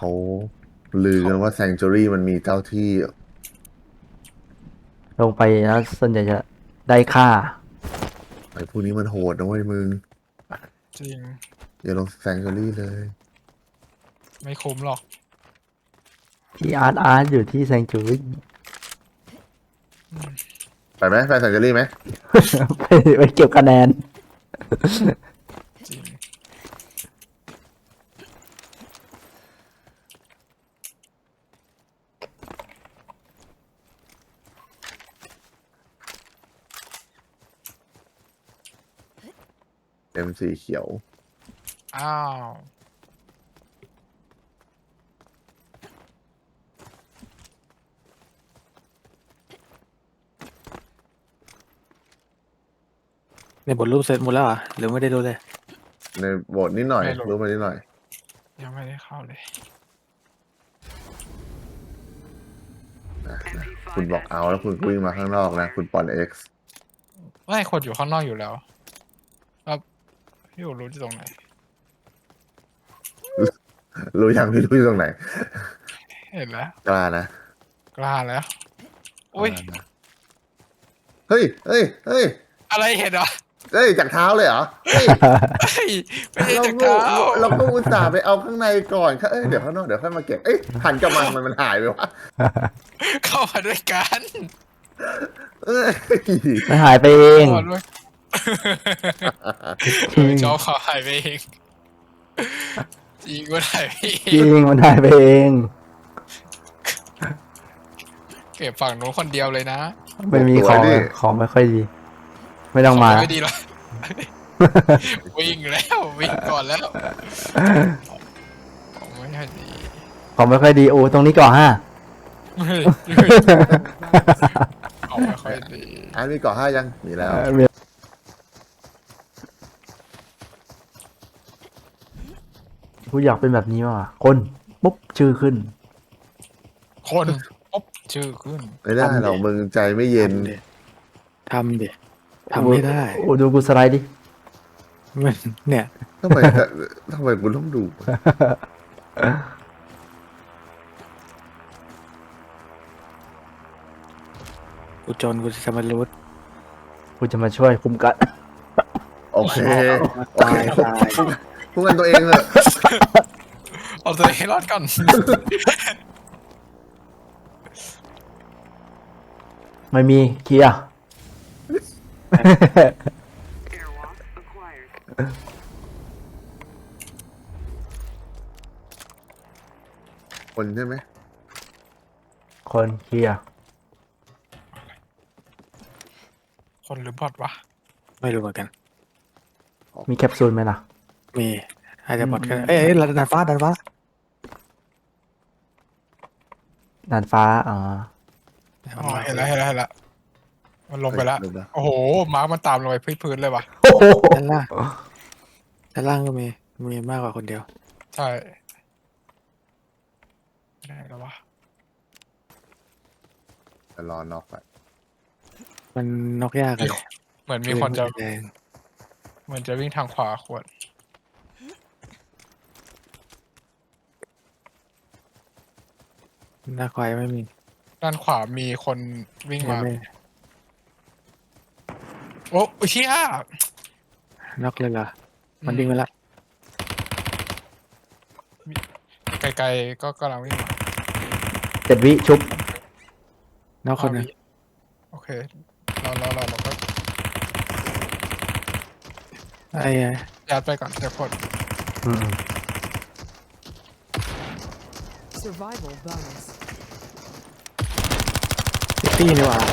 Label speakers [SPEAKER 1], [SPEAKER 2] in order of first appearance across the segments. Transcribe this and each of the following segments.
[SPEAKER 1] เขาลือกันว่าแซงจูรี่มันมีเจ้าที่
[SPEAKER 2] ลงไปแล้วส่วนใหญ่จะได้ค่า
[SPEAKER 1] ไอ้พวกนี้มันโหดนะเว้ยมึง
[SPEAKER 3] จริง
[SPEAKER 1] อย่าลงแซงจูรี่เลย
[SPEAKER 3] ไม่คุ้มหรอก
[SPEAKER 2] ที่อาร์ตอยู่ที่แซงจูรี่
[SPEAKER 1] ไปไหมไปแซงจูรี่ไหม
[SPEAKER 2] ไปเก็บคะแนน
[SPEAKER 3] จริง
[SPEAKER 1] เอ็มสีเขียว
[SPEAKER 3] อ้าว
[SPEAKER 4] ในบทรูปเสร็จหมดแล้วอ่ะหรือไม่ได้ดูเลย
[SPEAKER 1] ในโบทนิดหน่อยรู้มานิดหน่อย
[SPEAKER 3] ยังไม่ได้เข้าเลย
[SPEAKER 1] นะคุณบอกเอาแล้วคุณวิ่งมาข้างนอกนะ คุณปอนเอ็กซ์
[SPEAKER 3] ไม่คนอยู่ข้างนอกอยู่แล้วแล้วพี่อยู่รู้ที่ตรงไหน
[SPEAKER 1] รู้ยังพี่รู้อยู่ตรงไหน
[SPEAKER 3] เห็นแล้ว
[SPEAKER 1] กล้านะ
[SPEAKER 3] กล้าแล้ว อุ้ย
[SPEAKER 1] เฮ้ยเฮ้ยเฮ้ย
[SPEAKER 3] อะไรเห็นเหรอ
[SPEAKER 1] เฮ้ยจากเท้าเลยเหรอเฮ้ย
[SPEAKER 3] เฮ้ยไม่ใช่
[SPEAKER 1] เรา
[SPEAKER 3] จาก
[SPEAKER 1] ก็
[SPEAKER 3] เท้า
[SPEAKER 1] เราก็อุตส่าห์ไปเอาข้างในก่อนเอ้ยเดี๋ยวข้างนอกเดี๋ยวค่อยมาเก็บเอ้ยหันกลับมามันหายไปวะ
[SPEAKER 3] เข้ามาด้วยกัน
[SPEAKER 1] เอ้ย
[SPEAKER 2] มันหายไปเอง
[SPEAKER 3] เข้ามาด้วยชอบเขาหายไปเองจริงก็หายไปเอ
[SPEAKER 2] จริ
[SPEAKER 3] ง
[SPEAKER 2] งมันหายไปเอง
[SPEAKER 3] เก็บฝั่งนู้นคนเดียวเลยนะ
[SPEAKER 2] ไม่มีของไม่ค่อยดี ไม่ต้องมา
[SPEAKER 3] ไม่ดีหรอกวิ่งแล้ววิ่งก่อนแล้วของไม่ค่อยดี
[SPEAKER 2] ของไม่ค่อยดีโอ้ตรงนี้ก่อนฮะ
[SPEAKER 3] ของไม่ค่อยดี
[SPEAKER 1] อันนี้ก่อห้ายังมีแล้ว
[SPEAKER 2] กูอยากเป็นแบบนี้มากกว่าคนปุ๊บชื่อขึ้น
[SPEAKER 3] คนปุ๊บชื่อขึ้น
[SPEAKER 1] ไม่ได้หรอกมึงใจไม่เย็น
[SPEAKER 4] ทำดิทำไม่ได้
[SPEAKER 2] โอ้ดูกูสไลด์ดิ
[SPEAKER 4] มันเนี่ย
[SPEAKER 1] ทำไมทำไมกูต้องดู
[SPEAKER 4] กูจนกูจะมารู้
[SPEAKER 2] กูจะมาช่วยคุมกัน
[SPEAKER 1] โอเคโอ
[SPEAKER 4] ตา
[SPEAKER 1] เค
[SPEAKER 4] ยตาย
[SPEAKER 1] พูดกันตัวเองเลย
[SPEAKER 3] เอาตัวเองให้รอดก่อน
[SPEAKER 2] ไม่มีเคลียร์
[SPEAKER 5] Airwalk acquired.
[SPEAKER 1] คนใช่ไหม
[SPEAKER 2] คนเคลียร์
[SPEAKER 3] คนหรือบอทวะ
[SPEAKER 4] ไม่รู้เหมือนกัน
[SPEAKER 2] มีแคปซูลไหมล่ะ
[SPEAKER 4] มีอาจจะบอดกันเอ้ยดันฟ้าดันฟ้า
[SPEAKER 2] ดานฟ้าอ๋อ
[SPEAKER 3] อ๋อเห็นแล้วเห็นแล้วเห็นแล้วมันลงไปแล้ว
[SPEAKER 1] เฮ้ยลงแล้ว
[SPEAKER 3] โอ้โหมาร์คมันตามลงไปพื้นเลยวะ
[SPEAKER 2] โอ้โห
[SPEAKER 4] ด้านล่างด้านล่างก็มีมากกว่าคนเดียว
[SPEAKER 3] ใช่ได้แล้ววะ
[SPEAKER 1] จะรอน็อกไป
[SPEAKER 4] มันนอกยากเลย
[SPEAKER 3] เหมือนมีคนจะ
[SPEAKER 4] แดง
[SPEAKER 3] เหมือนจะวิ่งทางขวาขวด
[SPEAKER 4] หน้าควายไม่มี
[SPEAKER 3] ด้านขวามีคนวิ่งมา
[SPEAKER 4] ไม่
[SPEAKER 3] โอ้เชี่ย
[SPEAKER 4] นอกเลยเหรอมันวิ่งไปละ
[SPEAKER 3] ไกลๆก็กำลังวิ่งมา
[SPEAKER 2] 7 วิชุบ
[SPEAKER 4] นอกคนหนึง
[SPEAKER 3] โอเคเราก็
[SPEAKER 4] ไอ้
[SPEAKER 3] ยัดไปก่อนเดี๋ยวคน
[SPEAKER 2] อืม
[SPEAKER 5] Survival bonus.
[SPEAKER 4] ตี้นี่หว่า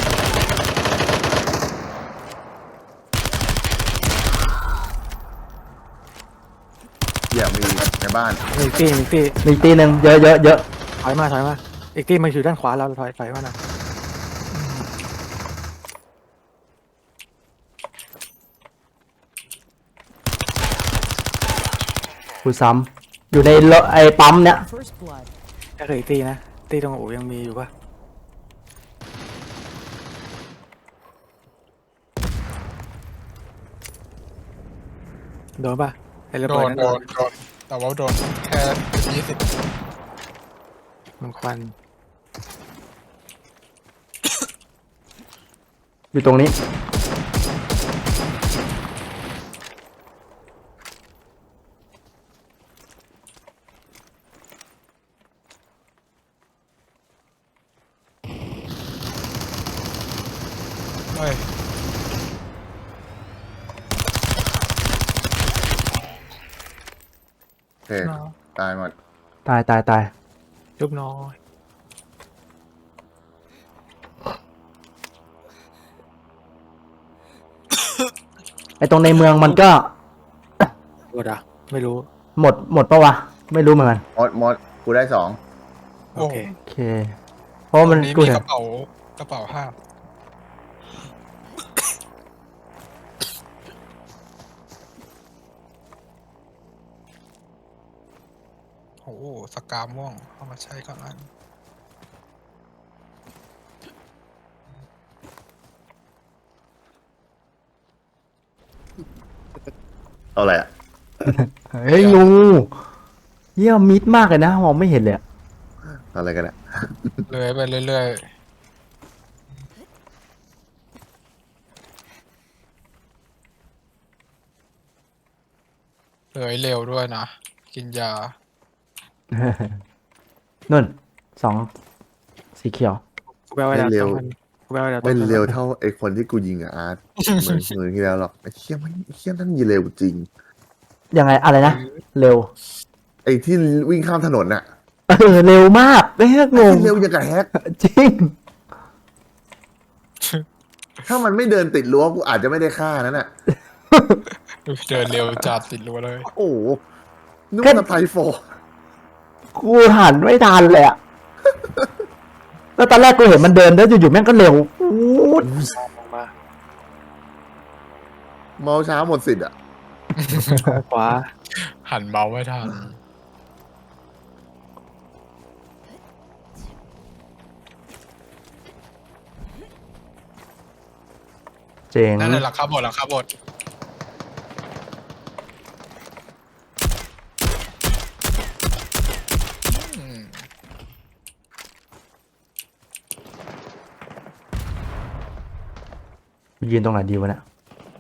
[SPEAKER 1] อย่ามีในบ้าน
[SPEAKER 4] มีตี้
[SPEAKER 2] มีอีกตีหนึ่งเยอะเยอะเยอะ
[SPEAKER 4] ถอยมาอีกตี้มันอยู่ด้านขวาเราถอยมาหน่อย
[SPEAKER 2] กูซ้ำอยู่ในรถไอ้ปั๊มเนี้ย
[SPEAKER 5] First blood.
[SPEAKER 4] ถ้าเคยอีกตี้นะตี้ตรงอู่ยังมีอยู่ปะโดนปะไอ้ระ
[SPEAKER 3] โด
[SPEAKER 4] เบิด
[SPEAKER 3] น
[SPEAKER 4] นั้น
[SPEAKER 3] โดนแต่ว่าโดนแค่20
[SPEAKER 4] มันควัน
[SPEAKER 2] อยู่ตรงนี้
[SPEAKER 3] เฮ้ย
[SPEAKER 1] โอเคตายหมด
[SPEAKER 2] ตายตายตาย
[SPEAKER 4] ยุบน้อย
[SPEAKER 2] ไอตรงในเมืองมันก็
[SPEAKER 4] หมดอ่ะไม่รู้
[SPEAKER 2] หมดปะวะ ไม่รู้เหมือนกัน
[SPEAKER 1] มดกูได้ 2
[SPEAKER 4] โอเค
[SPEAKER 2] โอเค เพราะว่า
[SPEAKER 3] ต
[SPEAKER 2] มัน
[SPEAKER 3] รงนี้
[SPEAKER 2] กู
[SPEAKER 3] มี
[SPEAKER 2] เห็
[SPEAKER 3] ก
[SPEAKER 2] น
[SPEAKER 3] ระเป๋าห้าโอ้โหสกาม่วงเอามาใช้ก่อนอัน
[SPEAKER 1] เอาอะไรอ่ะ
[SPEAKER 2] เฮ้ยงูเยี่ยมมิดมากเลยนะมองไม่เห็นเลยอะ
[SPEAKER 1] เอาอะไรกันอ่ะ
[SPEAKER 3] เลื้อยไปเรื่อยๆเลื้อยเร็วด้วยนะ กินยา
[SPEAKER 2] นุ่น2 สีเขียว
[SPEAKER 4] กูแปลว่า
[SPEAKER 1] ไม่
[SPEAKER 4] ดาว
[SPEAKER 1] เร็ว
[SPEAKER 4] ต้องมันกูแปลว่าดาวต้
[SPEAKER 1] ไม่
[SPEAKER 4] องมัน
[SPEAKER 1] เร็วเท่าไอ้คนที่กูยิงอ่ะอาร์ตเหมือนที่แล้วหรอกไอ้เชี่ยมันเชี่ยนั่นยิงเร็วจริง
[SPEAKER 2] ยังไงอะไรนะ เร็ว
[SPEAKER 1] ไอ้ที่วิ่งข้ามถนนน่ะ
[SPEAKER 2] เร็วมากไม่ให้งง
[SPEAKER 1] เร็วอย่างกับแฮก
[SPEAKER 2] จริง
[SPEAKER 1] ถ้ามันไม่เดินติดรั้วกูอาจจะไม่ได้ฆ่านั่นน่ะ
[SPEAKER 3] เดินเร็วจัดติดรั้วเลย
[SPEAKER 1] โอ้โหนึกว่าไทโฟ
[SPEAKER 2] กูหันไม่ทันเลยอะแล้วตอนแรกกูเห็นมันเดินแล้วอยู่ๆแม่งก็เร็วอู๊ด
[SPEAKER 4] ลงมา
[SPEAKER 1] เมาช้าหมดสิทธิ์อ่ะ
[SPEAKER 4] ขวา
[SPEAKER 3] หันเมาไม่ทัน
[SPEAKER 2] เจ๋ง
[SPEAKER 3] นั่นแหละหลังคาบดอืม
[SPEAKER 2] ยืนตรงไหนดีวะเนี่ย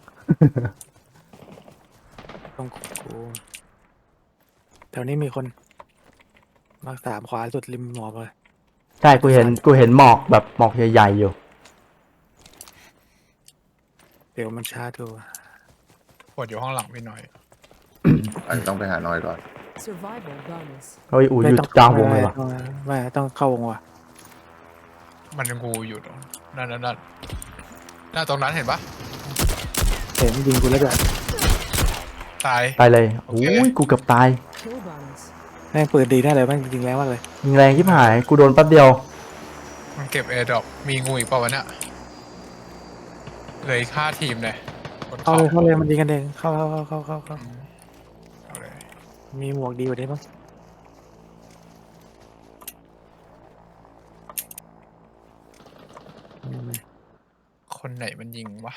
[SPEAKER 4] ตรงกูแถวนี้มีคนมา3ขวาสุดริมหมอกเลย
[SPEAKER 2] ใช่กูเห็นหมอกแบบหมอกใหญ่ๆอยู่
[SPEAKER 4] เดี๋ยวมันช้าดู
[SPEAKER 3] ปวดอยู่ข้างหลังพี่หน่อย
[SPEAKER 1] อันต้องไปหาน้อยก่อน
[SPEAKER 5] Survival bonus.
[SPEAKER 2] เฮ้ยอูอยู่กลางวงเลยวะ
[SPEAKER 4] ไม่ต้องเข้าวงว่ะ
[SPEAKER 3] มันงูอยู่ตรงนั่นหน้าตรงนั้นเห็นปะ
[SPEAKER 4] เห็นยิงกูแล้วด้วย
[SPEAKER 3] ตาย
[SPEAKER 2] ตายเลย
[SPEAKER 3] โอ
[SPEAKER 2] โอ้
[SPEAKER 3] เค
[SPEAKER 2] ยกูเกือบตาย
[SPEAKER 5] Kill bonus.
[SPEAKER 4] แม่งเปิดดีแน่เลยแม่งยิงแรงมากเลย
[SPEAKER 2] ยิงแรงที่หายกูโดนแป๊บเดียว
[SPEAKER 3] มันเก็บแอร์ดรอปมีงูอีกเปล่าวะเนี่ยเหลยค่าทีมเลยบน
[SPEAKER 4] เข้า
[SPEAKER 3] เขา
[SPEAKER 4] เลยมันยิงกันเองเข้า
[SPEAKER 3] อืมเอาเลย
[SPEAKER 4] มีหมวกดีกว่านี้มั้งอืม
[SPEAKER 3] คนไหนมันยิงวะ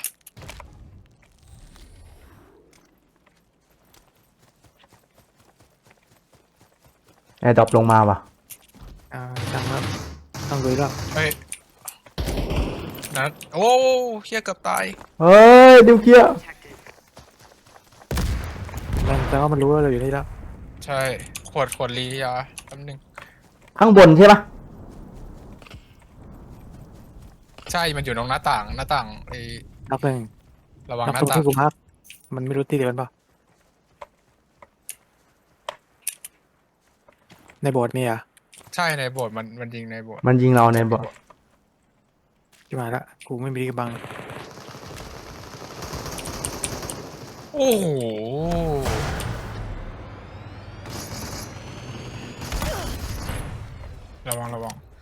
[SPEAKER 2] แอร์ดรอปลงมาว่ะ
[SPEAKER 4] จังครับต้องดูแล้ว
[SPEAKER 3] เฮ้ยนัดโอ้เฮียเกือบตาย
[SPEAKER 2] เฮ้ยดิวเคลียร์
[SPEAKER 5] Detected.
[SPEAKER 4] มันแต่ว่ามันรู้ว่าเราอยู่นี่แล้ว
[SPEAKER 3] ใช่ขวดลียาแป๊บนึง
[SPEAKER 2] ข้างบนใช่ปะ
[SPEAKER 3] ใช่มันอยู่ตรงหน้าต่างไอ้
[SPEAKER 4] นับหนึ่ง
[SPEAKER 3] ระวัง
[SPEAKER 4] นับ
[SPEAKER 3] หน้า
[SPEAKER 4] ตรง
[SPEAKER 3] ต่าง
[SPEAKER 4] ที่กูพักมันไม่รู้ที่เดียวกันเปล่าในโบสถ์มีอ่ะ
[SPEAKER 3] ใช่ในโบสถ์มันยิงในโบสถ์
[SPEAKER 2] มันยิงเราในบ่อ
[SPEAKER 4] ที่มาละกูไม่มีที่กำบัง
[SPEAKER 3] โอ้โหระวัง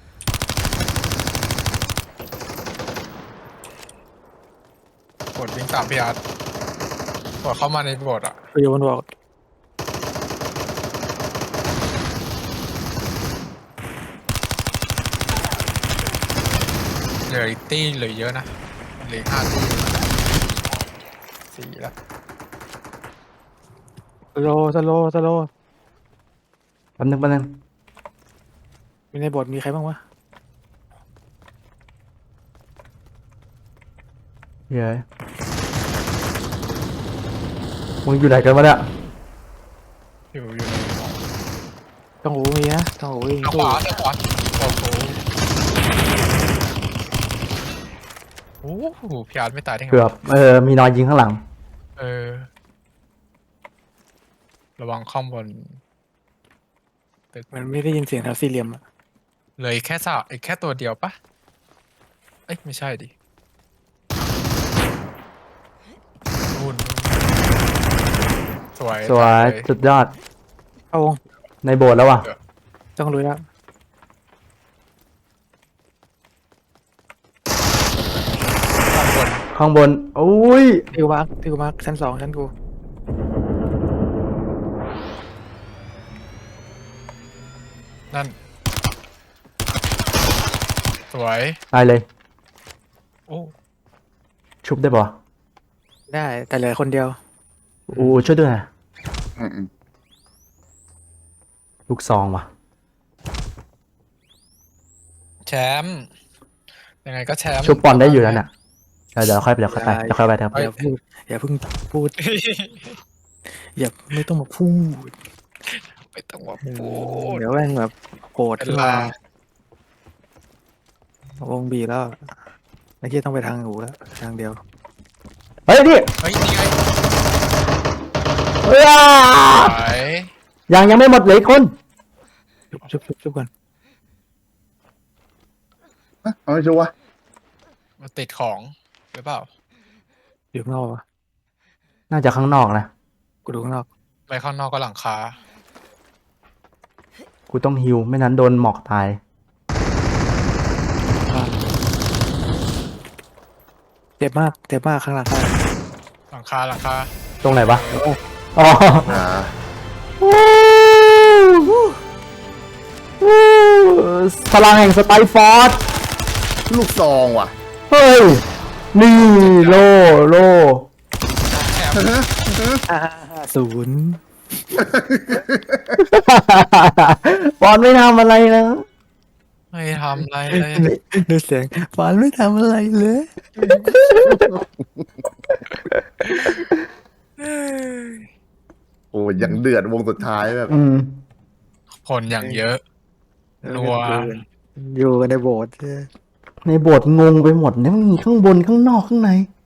[SPEAKER 3] โบสถ์วิ่งตามพี่อาร์ตโบสถ์เข้ามาในโบสถ์อ่ะ
[SPEAKER 4] กูอยู่บนบอก
[SPEAKER 3] เหลืออีกตี้เหลือเยอะนะเหลืออีก5 ตี้4แล้ว
[SPEAKER 4] สโล
[SPEAKER 2] แป๊บนึง
[SPEAKER 4] มีในบทมีใครบ้างวะ
[SPEAKER 2] เฮ้ยมึงอยู่ไหนกันวะเนี่ย
[SPEAKER 3] อยู่ใน
[SPEAKER 4] ต้องหูมีนะต้องหูยิง
[SPEAKER 3] ทางข
[SPEAKER 4] สู้
[SPEAKER 3] วาทางขวาโอ้โหพี่อาร์ตไม่ตายได้ไง
[SPEAKER 2] เกือบมีนอนยิงข้างหลัง
[SPEAKER 3] เออ ระวังข้อมบน
[SPEAKER 4] มันไม่ได้ยินเสียงแถวสี่เหลี่ยมอะ
[SPEAKER 3] เลยแค่แค่ตัวเดียวปะเอ้ยไม่ใช่ดินู่นสวย
[SPEAKER 2] สวย
[SPEAKER 3] เลย
[SPEAKER 2] สุดยอด
[SPEAKER 4] เข้าวง
[SPEAKER 2] ในโบสถ์แล้วว่ะ
[SPEAKER 4] ต้องรู้แล้ว
[SPEAKER 3] ข้างบน
[SPEAKER 2] ข้างบนอุ้ย
[SPEAKER 4] ที่กูมาร์คชั้น 2ชั้นกู
[SPEAKER 3] นั่น สวย
[SPEAKER 2] ตายเลย
[SPEAKER 3] โอ้
[SPEAKER 2] ชุบได้ป่ะ
[SPEAKER 4] ได้แต่เหลือคนเดียว
[SPEAKER 2] อู้ช่วยด้วยนะ
[SPEAKER 1] อืม
[SPEAKER 2] ลูกซองว่ะ
[SPEAKER 3] แชมป์ยังไงก็แชมป์
[SPEAKER 2] ชุบปอนได้อยู่แล้วน่ะเดี๋ยวค่อยไปเดี๋ยวค่อยไปเดี๋ยวค่อยไปเดี๋ยวค่อย
[SPEAKER 4] อย่า
[SPEAKER 2] ไป
[SPEAKER 4] พูดอย่าเพิ่งพูด อย่าไม่ต้องมาพูด
[SPEAKER 3] ไม่ต้องมาพูด
[SPEAKER 4] เดี๋ยวแม่งแบบโกรธขึ้นมาวงบีแล้วไอ้ที่ต้องไปทางหูแล้วทางเดียว
[SPEAKER 2] เฮ้ยนี่
[SPEAKER 3] เฮ้ยนี่ไง
[SPEAKER 2] เฮ้ย
[SPEAKER 3] สวย
[SPEAKER 2] ยังไม่หมดเหลยคน
[SPEAKER 4] ชุบก่อน
[SPEAKER 1] เอาไม่ชัวร์
[SPEAKER 3] มาติดของหรือเปล่า
[SPEAKER 4] อยู่ข้างนอกวะ
[SPEAKER 2] น่าจะข้างนอกนะ
[SPEAKER 4] กูดูข้างนอก
[SPEAKER 3] ไปข้างนอกก็หลังคา
[SPEAKER 2] กูต้องฮิวไม่นั้นโดนหมอกตาย
[SPEAKER 4] เจ็บมากข้างหลัง
[SPEAKER 3] หลังคาหลังคา
[SPEAKER 2] ตรงไหนวะอ๋อ
[SPEAKER 1] นะ
[SPEAKER 2] พลังแห่งสไตล์ฟอร์ส
[SPEAKER 1] ลูกซองว่ะ
[SPEAKER 2] เฮ้ย นี่โล
[SPEAKER 3] แชมป์
[SPEAKER 4] 0
[SPEAKER 2] ฟอนไม่ทำอะไรนะ
[SPEAKER 3] ไม่ทำอะไรเลย
[SPEAKER 4] ดูเสียงฟานไม่ทำอะไรเลย
[SPEAKER 1] โอ้ยยังเดือดวงสุดท้ายแบบ
[SPEAKER 3] คนอย่างเยอะ นัว
[SPEAKER 4] อยู่กันในโบสถ์ใช่ไหม
[SPEAKER 2] ในโบสถ์งงไปหมดเนี่ยมันมีข้างบนข้างนอกข้างใน